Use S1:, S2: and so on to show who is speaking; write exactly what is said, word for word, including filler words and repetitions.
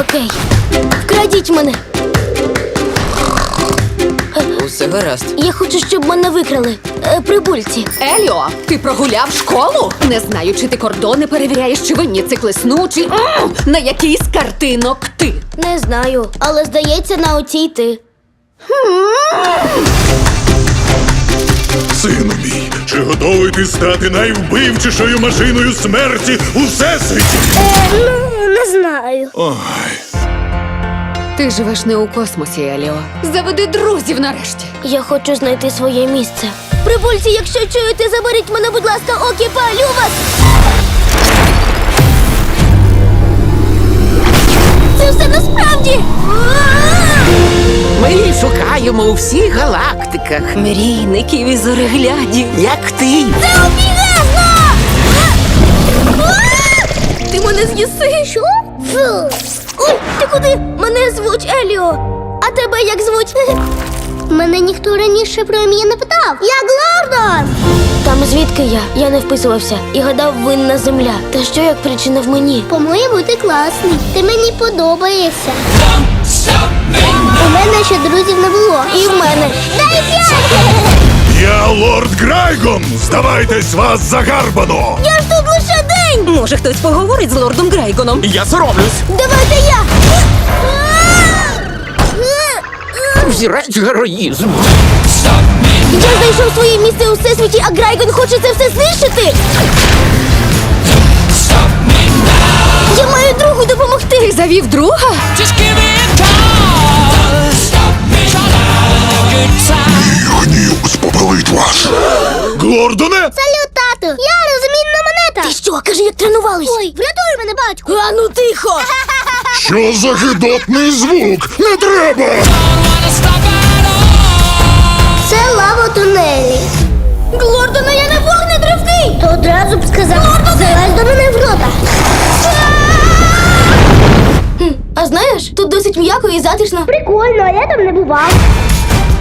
S1: Окей. Вкрадіть мене.
S2: Усе гаразд.
S1: Я хочу, щоб мене викрали. Е, прибульці.
S3: Еліо, ти прогуляв школу? Не знаю, чи ти кордони перевіряєш, чи винні циклесну, чи М! на який з картинок ти.
S1: Не знаю, але здається, на оцій ти.
S4: Сину мій, чи готовий ти стати найвбивчішою машиною смерті у всесвіті?
S1: Е, ну, не знаю.
S4: Ой,
S3: Ти живеш не у космосі, Еліо. Заведи друзів нарешті.
S1: Я хочу знайти своє місце. Прибульці, якщо чуєте, заберіть мене, будь ласка, окі, палю вас! Це все насправді!
S5: Ми її шукаємо у всіх галактиках.
S2: Мрійників і зореглядів.
S5: Як ти?
S1: Це обігезно! Ти мене з'їси? Що? Фу. Ой, ти куди? Мене звуть Еліо. А тебе як звуть? Мене ніхто раніше про ім'я не питав. Я Глордон! Там звідки я? Я не вписувався і гадав, винна земля. Та що як причина в мені?
S6: По-моєму, ти класний. Ти мені подобаєшся. У мене ще друзів не було.
S1: І в мене.
S6: Дай п'ять!
S4: я лорд Грайгон! Здавайтесь, вас загарбано!
S1: Я ж тут лише день!
S2: Може, хтось поговорить з лордом Грайгоном?
S5: Я соромлюсь.
S1: Давайте я!
S5: Взірець героїзму.
S1: Я знайшов своє місце у всесвіті, а Грайгон хоче це все знищити! Я маю другу допомогти!
S3: Ти завів друга?
S4: Гнів спопелить вас! Глордоне!
S6: Салют, тату! Я розмінна монета!
S1: Ти що, кажи, як тренувались?
S6: Ой, врятуй мене, батьку!
S1: А ну тихо!
S4: Що за гидотний звук? Не треба!
S6: Це лава тунелі.
S1: Глордона, я не вогнетривкий!
S6: То одразу б сказав, залазь до мене в рота.
S1: А знаєш, тут досить м'яко і затишно.
S6: Прикольно, а я там не бував.